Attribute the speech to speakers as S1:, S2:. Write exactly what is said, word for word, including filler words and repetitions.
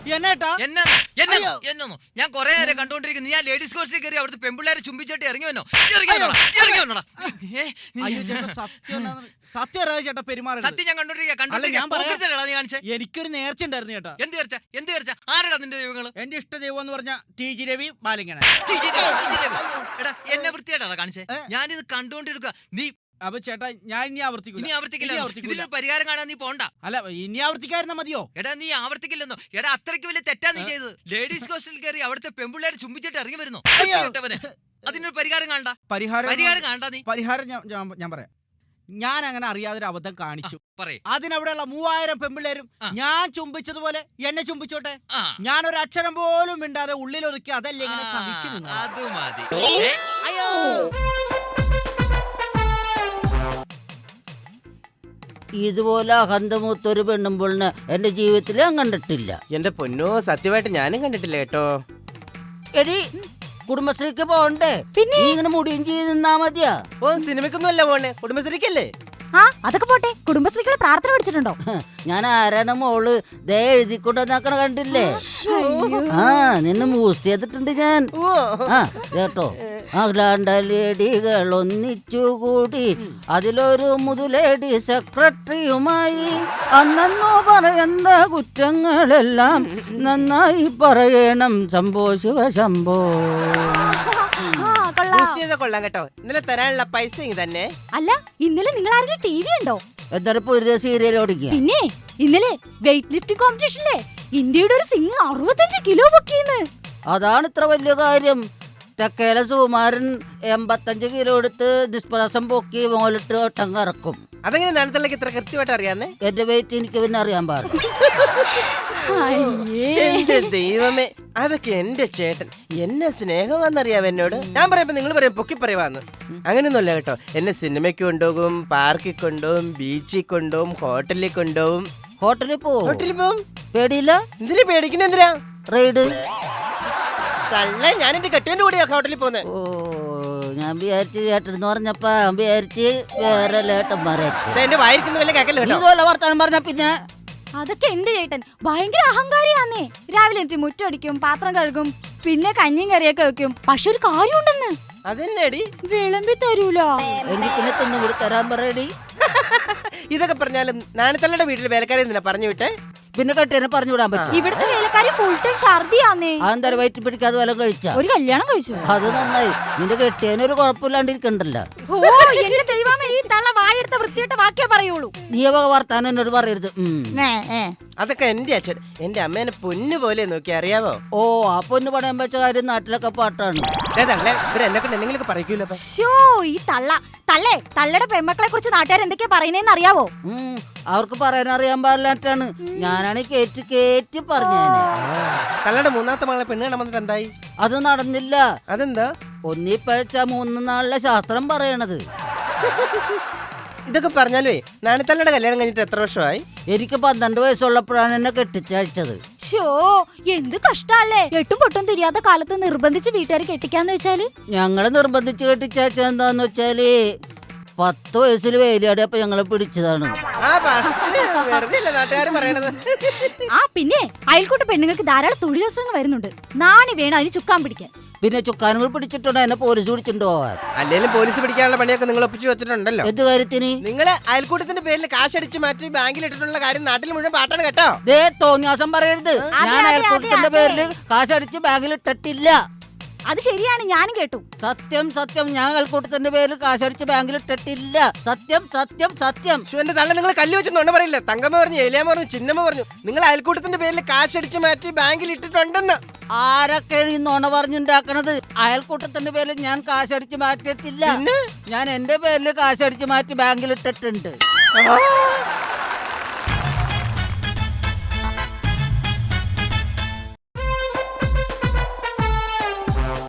S1: എന്നേട്ടാ
S2: എന്നാ എന്നൊന്നു ഞാൻ കൊറേ നേരം കണ്ടോണ്ടിരിക്കുന്നു. ഞാൻ ലേഡീസ് കോഴ്സിൽ കയറി അവിടുത്തെ പെമ്പിള്ളേരെ ചുംബിച്ചിട്ട് ഇറങ്ങി വന്നോ ഇറങ്ങി വന്നോടാ.
S1: സത്യം ചേട്ടാ പെരുമാറുന്നത്.
S2: സത്യം ഞാൻ കണ്ടോണ്ടിരിക്കുക.
S1: എനിക്കൊരു നേർച്ച ഉണ്ടായിരുന്നു ചേട്ടാ.
S2: എന്ത് നേർച്ച? എന്ത് നേർച്ച? ആരാടാ നിന്റെ ദൈവങ്ങള്?
S1: എന്റെ ഇഷ്ട ദൈവം എന്ന് പറഞ്ഞ ടി ജി രവി ബാലിങ്ങനെ.
S2: എടാ എന്നെ വൃത്തിയായിട്ടാ കാണിച്ചേ. ഞാനിത് കണ്ടോണ്ടിരിക്കുക. നീ
S1: അപ്പൊ ചേട്ടാ ഞാൻ ഇനി ആവർത്തിക്കില്ല.
S2: ഇനി ആവർത്തിക്കില്ല. ഇതിനൊരു പരിഹാരം കാണാൻ നീ പോണ്ട.
S1: അല്ല ഇനി ആവർത്തിക്കായിരുന്ന മതിയോ?
S2: എടാ നീ ആവർത്തിക്കില്ലെന്നോ? എടാ അത്രയ്ക്ക് വലിയ തെറ്റാ നീ ചെയ്തത്. ലേഡീസ് ഹോസ്റ്റലിൽ കയറി അവിടുത്തെ പെമ്പിള്ളേരെ ചുംബിച്ചിട്ട് ഇറങ്ങി വരുന്നു. അതിനൊരു പരിഹാരം കാണണ്ട.
S1: പരിഹാരം
S2: പരിഹാരം കാണണ്ട. നീ
S1: പരിഹാരം ഞാൻ പറയാം. ഞാൻ അങ്ങനെ അറിയാതൊരു അബദ്ധം കാണിച്ചു.
S2: പറയ്.
S1: അതിനവിടെയുള്ള മൂവായിരം പെമ്പിള്ളേരും ഞാൻ ചുംബിച്ചതുപോലെ എന്നെ ചുംബിച്ചോട്ടെ. ഞാൻ ഒരു അക്ഷരം പോലും മിണ്ടാതെ ഉള്ളിൽ ഒതുക്കി അതല്ലേ ഇങ്ങനെ സഹിച്ചു നിന്നു.
S2: അത് മതി.
S1: അയ്യോ
S3: ഇതുപോലെ അഹന്തമൂത്തൊരു പെണ്ണുമ്പോളിന് എന്റെ ജീവിതത്തിൽ ഞാൻ കണ്ടിട്ടില്ല.
S4: എന്റെ പൊന്നോ സത്യമായിട്ട് ഞാനും കണ്ടിട്ടില്ല കേട്ടോ.
S3: എടി കുടുംബശ്രീക്ക് പോണ്ടേ? പിന്നെ ഇങ്ങനെ മുടിയും ചെയ്ത് നിന്നാ മതിയാ?
S4: ഓ സിനിമക്കൊന്നും അല്ല പോണേ, കുടുംബശ്രീക്കല്ലേ?
S5: ആ അതൊക്കെ പോട്ടെ. കുടുംബശ്രീകളെ പ്രാർത്ഥന പഠിച്ചിട്ടുണ്ടോ?
S3: ഞാൻ ആരാണ് മോള് ദേ എഴുതിക്കൊണ്ടെന്നാക്കണ കണ്ടില്ലേ? ആ നിന്നെ മൂസ്റ്റ് ചെയ്തിട്ടുണ്ട് ഞാൻ. ആ കേട്ടോ, അഖിലാണ്ടലേഡികൾ ഒന്നിച്ചുകൂടി അതിലൊരു മുതുലേഡി സെക്രട്ടറിയുമായി അന്നോ പറയുന്ന കുറ്റങ്ങളെല്ലാം നന്നായി പറയണം ശംഭോ ശിവ ശംഭോ.
S4: കൊള്ളാം കേട്ടോ. ഇന്നലെ തരാനുള്ള പൈസ തന്നെ.
S5: അല്ല ഇന്നലെ നിങ്ങൾ ആരെങ്കിലും ടി വി ഉണ്ടോ?
S3: എന്തായാലും പുതിയ സീരിയൽ ഓടിക്കുക.
S5: പിന്നെ ഇന്നലെ വെയിറ്റ് ലിഫ്റ്റിംഗ് കോമ്പറ്റീഷനിലെ ഇന്ത്യയുടെ ഒരു സിംഗ് അറുപത്തഞ്ച് കിലോ പൊക്കിയെന്ന്.
S3: അതാണ് ഇത്ര വലിയ കാര്യം. തെക്കേല സുകുമാരൻ എൺപത്തഞ്ച് കിലോ എടുത്ത് നിഷ്പ്രയാസം പൊക്കി മോലിട്ട് ഒട്ടം കറക്കും.
S4: അതെങ്ങനെ നാളത്തേക്ക് ഇത്ര കൃത്യമായിട്ട് അറിയാന്നേ?
S3: എന്റെ വെയിറ്റ് എനിക്ക് പിന്നെ അറിയാൻ പാടില്ല.
S4: എന്റെ ദൈവമേ, അതൊക്കെ എന്റെ ചേട്ടൻ എന്നെ സ്നേഹമാണെന്നറിയാം എന്നോട്. ഞാൻ പറയുമ്പോ നിങ്ങൾ പറയും പൊക്കി പറയുവാന്ന്. അങ്ങനെയൊന്നുമല്ല കേട്ടോ. എന്നെ സിനിമയ്ക്ക് കൊണ്ടുപോകും, പാർക്കിൽ കൊണ്ടുപോകും, ബീച്ചിൽ കൊണ്ടുപോകും, ഹോട്ടലിൽ കൊണ്ടുപോകും.
S3: ഹോട്ടലിൽ പോവും.
S4: ഹോട്ടലിൽ പോവും.
S3: പേടിയില്ല?
S4: എന്തിനാ പേടിക്കുന്ന? എന്തിനാ
S3: റൈഡ്?
S4: തള്ള ഞാൻ എന്റെ കെട്ടിയന്റെ കൂടെയാ ഹോട്ടലിൽ പോകുന്നത്.
S3: ഓ ഞാൻ വിചാരിച്ച് ചേട്ടൻ പറഞ്ഞപ്പ വിചാരിച്ച് വേറെ ലേട്ടന്മാരെ
S4: എന്റെ വായിരിക്കുന്ന വല്ല കേക്കല്ലോ.
S3: ഇതുപോലെ വർത്താനം പറഞ്ഞ പിന്നെ
S5: അതൊക്കെ എന്റെ ചേട്ടൻ ഭയങ്കര അഹങ്കാരിയാന്നേ. രാവിലെ എനിക്ക് മുറ്റടിക്കും, പാത്രം കഴുകും, പിന്നെ കഞ്ഞിയും കറിയൊക്കെ വെക്കും. പക്ഷെ ഒരു കാര്യം ഉണ്ടെന്ന്.
S4: അതെന്നടി?
S5: വിളമ്പി തരൂലോ.
S3: എനിക്ക് പിന്നെ തിന്നു കൂടി തരാൻ പറയടി.
S4: ഇതൊക്കെ പറഞ്ഞാലും നാണത്തള്ളയുടെ വീട്ടിൽ വേലക്കാരെ എന്തിനാ പറഞ്ഞു വിട്ടെ?
S3: പിന്നെ കെട്ടിയെ പറഞ്ഞു വിടാൻ പറ്റും.
S5: ഇവിടുത്തെ വേലക്കാരി ഫുൾ ടൈം ഛർദിയാന്നേ.
S3: അതെന്തായാലും വയറ്റി പിടിക്കാതെ വല്ലതും കഴിച്ച?
S5: ഒരു കല്യാണം കഴിച്ചു.
S3: അത് നന്നായി. നിന്റെ കെട്ടിയതിനൊരു കുഴപ്പമില്ലാണ്ടിരിക്കണ്ടല്ലോ.
S5: ഓ എന്റെ ദൈവമേ, ഈ തള്ള വായെടുത്ത വൃത്തിയായിട്ട് വാക്കേ പറയുള്ളൂ.
S3: നീ വക വർത്താനം എന്നോട് പറയരുത്.
S4: അതൊക്കെ എന്റെ അച്ഛൻ എന്റെ അമ്മേനെ പൊന്നു പോലെ നോക്കി അറിയാവോ?
S3: ഓ ആ പൊന്നു പണയം വെച്ച കാര്യം നാട്ടിലൊക്കെ പാട്ടാണ്.
S4: എന്നെ കൊണ്ട് എന്തെങ്കിലും പറയൂലോ.
S5: ഈ തള്ള തള്ളേ തള്ളയുടെ പെമ്മക്കളെ കുറിച്ച് നാട്ടുകാർ എന്തൊക്കെയാ പറയുന്നേന്ന് അറിയാവോ?
S3: അവർക്ക് പറയാനറിയാൻ പാടില്ലാട്ടാണ്. ഞാനാണ് കേറ്റ് കേറ്റ് പറഞ്ഞേനെ.
S4: തള്ളയുടെ മൂന്നാമത്തെ മകളെ പെണ്ണ് കാണാൻ വന്നിട്ട് എന്തായി?
S3: അത് നടന്നില്ല.
S4: അതെന്താ?
S3: ഒന്നീ പഴച്ച മൂന്ന് നാളിലെ ശാസ്ത്രം പറയണത്.
S4: ഇതൊക്കെ പറഞ്ഞാലേ നാണിത്തള്ളയുടെ കല്യാണം കഴിഞ്ഞിട്ട് എത്ര വർഷമായി?
S3: എനിക്ക് പന്ത്രണ്ട് വയസ്സുള്ളപ്പോഴാണ് എന്നെ കെട്ടിച്ചയച്ചത്.
S5: ഷോ എന്ത് കഷ്ടല്ലേ. എട്ടും പൊട്ടും തിരിയാത്ത കാലത്ത് നിർബന്ധിച്ച് വീട്ടുകാർ കെട്ടിക്കാന്ന് വെച്ചാല്?
S3: ഞങ്ങള് നിർബന്ധിച്ച് കെട്ടിച്ചയച്ചത് എന്താന്ന് വെച്ചാല് പത്ത് വയസ്സിൽ വേലിയാടിയപ്പോ ഞങ്ങളെ പിടിച്ചതാണ്.
S5: ആ പിന്നെ അയൽക്കൂട്ട പെണ്ണുങ്ങൾക്ക് ധാരാളം തൊഴിലവസരങ്ങൾ വരുന്നുണ്ട്. നാണി വേണം അതിന് ചുക്കാൻ പിടിക്കാൻ.
S3: പിന്നെ ചുക്കാനുകൾ പിടിച്ചിട്ടുണ്ടോ? എന്നെ പോലീസ് പിടിച്ചിട്ടുണ്ടോ?
S4: അല്ലെങ്കിലും പോലീസ് പിടിക്കാനുള്ള പണിയൊക്കെ നിങ്ങൾ ഒപ്പിച്ചു വെച്ചിട്ടുണ്ടല്ലോ.
S3: എന്ത് കാര്യത്തിന്?
S4: നിങ്ങള് അയൽക്കൂട്ടത്തിന്റെ പേരിൽ കാശടിച്ച് മാറ്റി ബാങ്കിൽ ഇട്ടിട്ടുള്ള കാര്യം നാട്ടിൽ മുഴുവൻ പാട്ടാണ് കേട്ടോ.
S3: ദേ തോന്നിയാസം പറയരുത്. ഞാൻ അയൽക്കൂട്ടത്തിന്റെ പേരിൽ കാശടിച്ച് ബാങ്കിൽ ഇട്ടിട്ടില്ല.
S5: അത് ശരിയാണ്, ഞാനും കേട്ടു.
S3: സത്യം സത്യം, ഞാൻ അയൽക്കൂട്ടത്തിന്റെ പേരിൽ കാശടിച്ച് ബാങ്കിൽ ഇട്ടിട്ടില്ല. സത്യം സത്യം സത്യം.
S4: എന്റെ തള്ള നിങ്ങൾ കല്ല് വെച്ച് നുണ പറയില്ല. തങ്കമ്മ പറഞ്ഞു, ഏലിയാമ്മ പറഞ്ഞു, ചിന്നമ്മ പറഞ്ഞു നിങ്ങൾ അയൽക്കൂട്ടത്തിന്റെ പേരിൽ കാശടിച്ച് മാറ്റി ബാങ്കിൽ ഇട്ടിട്ടുണ്ടെന്ന്.
S3: ആരൊക്കെയാണ് ഈ നുണ പറഞ്ഞുണ്ടാക്കണത്? അയൽക്കൂട്ടത്തിന്റെ പേരിൽ ഞാൻ കാശടിച്ച് മാറ്റിയിട്ടില്ല. ഞാൻ എന്റെ പേരിൽ കാശടിച്ച് മാറ്റി ബാങ്കിൽ ഇട്ടിട്ടുണ്ട്.